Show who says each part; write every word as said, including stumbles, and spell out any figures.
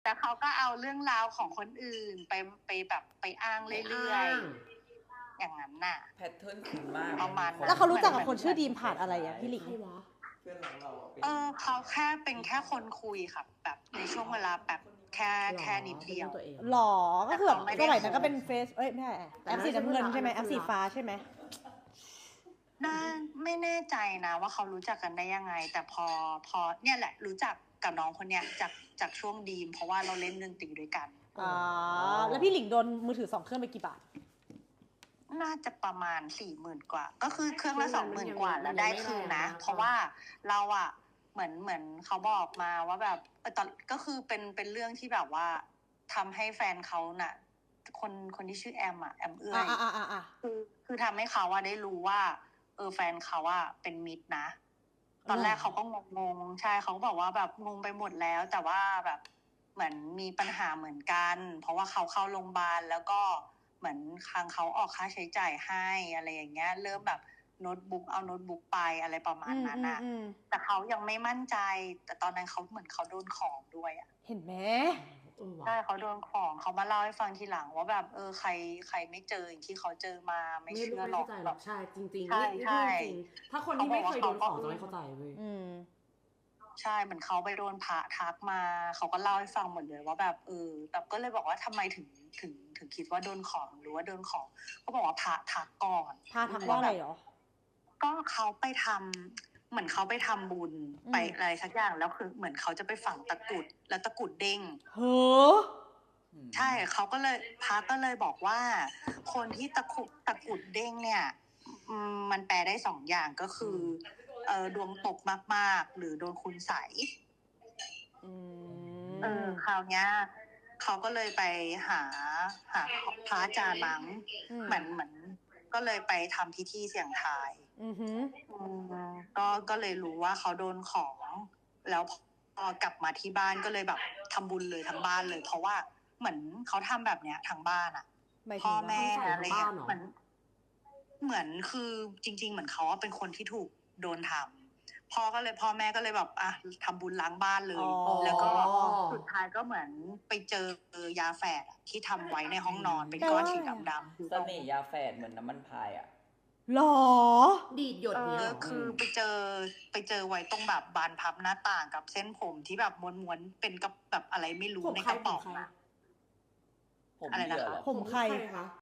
Speaker 1: แต่เขาก็เอาเรื่องราวของคนอื่นไปไปแบบไปอ้างเรื่อยๆอย่างนั้นน่ะ
Speaker 2: แพทเทิร์นคุ้นมาก
Speaker 1: ประมาณ
Speaker 3: แล้วเขารู้จักกับคนชื่อดีมผ่านอะไรอ่ะพี่หลิง
Speaker 4: เพื่อนรักเราเป็น
Speaker 1: เออเขาแค่เป็นแค่คนคุยค่ะแบบในช่วงเวลาแบบแค่แค่นิดเดียว
Speaker 3: หรอก็คือแบบสมัยนั้นก็เป็นเฟซเอ้ยไม่ใช่แอปสีน้ำเงินใช่ไหมแอปสีฟ้าใช่ไหม
Speaker 1: น่าไม่แน่ใจนะว่าเขารู้จักกันได้ยังไงแต่พอพอเนี่ยแหละรู้จักกับน้องคนเนี้ยจากจากช่วงดีมเพราะว่าเราเล่นดนตรีด้วยกัน
Speaker 3: อ๋อแล้วพี่หลิงโดนมือถือสองเครื่องไปกี่บาท
Speaker 1: น่าจะประมาณสี่หมื่นกว่าก็คือเครื่องละสองหมื่นกว่าแล้วได้คืนนะเพราะว่าเราอะเหมือนเหมือนเขาบอกมาว่าแบบตอนก็คือเป็นเป็นเรื่องที่แบบว่าทำให้แฟนเขาน่ะคนคนที่ชื่อแอมอะแอมเอื้อยคือคือทำให้เขาว่าได้รู้ว่าเออแฟนเขาว่าเป็นมิตรนะตอนแรกเขาก็งงงใช่เขาก็บอกว่าแบบงงไปหมดแล้วแต่ว่าแบบเหมือนมีปัญหาเหมือนกันเพราะว่าเขาเข้าโรงพยาบาลแล้วก็เหมือนทางเขาออกค่าใช้จ่ายให้อะไรอย่างเงี้ยเริ่มแบบโน้ตบุ๊กเอาโน้ตบุ๊กไปอะไรประมาณนั้นน่ะแต่เขายังไม่มั่นใจแต่ตอนนั้นเขาเหมือนเขาโดนของด้วยอ่ะ
Speaker 3: เห็นไหม
Speaker 1: ใช่เขาโดนของเขามาเล่าให้ฟังทีหลังว่าแบบเออใครใครไม่เจออย่างที่เขาเจอมาไม่เชื่อหรอก
Speaker 5: แบบใช่จริงๆนี่ใช่จริงถ้าคนที่ไม่เคยโดนของจะไม่เข้าใจเว้ย
Speaker 1: ใช่เหมือนเขาไปโดนพระทักมาเขาก็เล่าให้ฟังหมดเลยว่าแบบเออแบบก็เลยบอกว่าทำไมถึงถึงถึงคิดว่าโดนของหรือว่าโดนของเขาบอกว่าพระทักก่อน
Speaker 3: พระทักว่าอะไรหรอ
Speaker 1: ก็เขาไปทำเหมือนเขาไปทำบุญไปอะไรสักอย่างแล้วคือเหมือนเขาจะไปฝังตะกุดแล้วตะกุดเด้ง
Speaker 3: เฮ้อ
Speaker 1: ใช่เขาก็เลยพระก็เลยบอกว่าคนที่ตะกุดตะกุดเด้งเนี่ยมันแปลได้สองอย่างก็คือเออดวงตกมากๆหรือโดนคุณใสเออคราวนี้เขาก็เลยไปหาหาพระอาจารย์มั้งเหมือนเหมือนก็เลยไปทำพิธีเสี่ยงทายก็ก็เลยรู้ว่าเขาโดนของแล้วพอกลับมาที่บ้านก็เลยแบบทำบุญเลยทั้งบ้านเลยเพราะว่าเหมือนเขาทำแบบเนี้ยทั้งบ้านอ่ะพ่อแม่อะไรเงี้ยเหมือนเหมือนคือจริงๆเหมือนเขาเป็นคนที่ถูกโดนทำพ่อก็เลยพ่อแม่ก็เลยแบบอ่ะทำบุญล้างบ้านเลยแล้วก็สุดท้ายก็เหมือนไปเจอยาแฝดที่ทำไว้ในห้องนอนเป็นก้อนสีดำ
Speaker 2: ๆเสน่ห์ยาแฝดเหมือนน้ำมันพายอ่ะ
Speaker 3: หรอ
Speaker 5: ดีดหยด
Speaker 1: เนี่ยคือไปเจอไปเจอไว้ตรงแบบบานพับหน้าต่างกับเส้นผมที่แบบม้วนๆเป็นกับแบบอะไรไม่รู้ในกระป๋องอะ
Speaker 2: อะไรนะคะ
Speaker 3: ผมใคร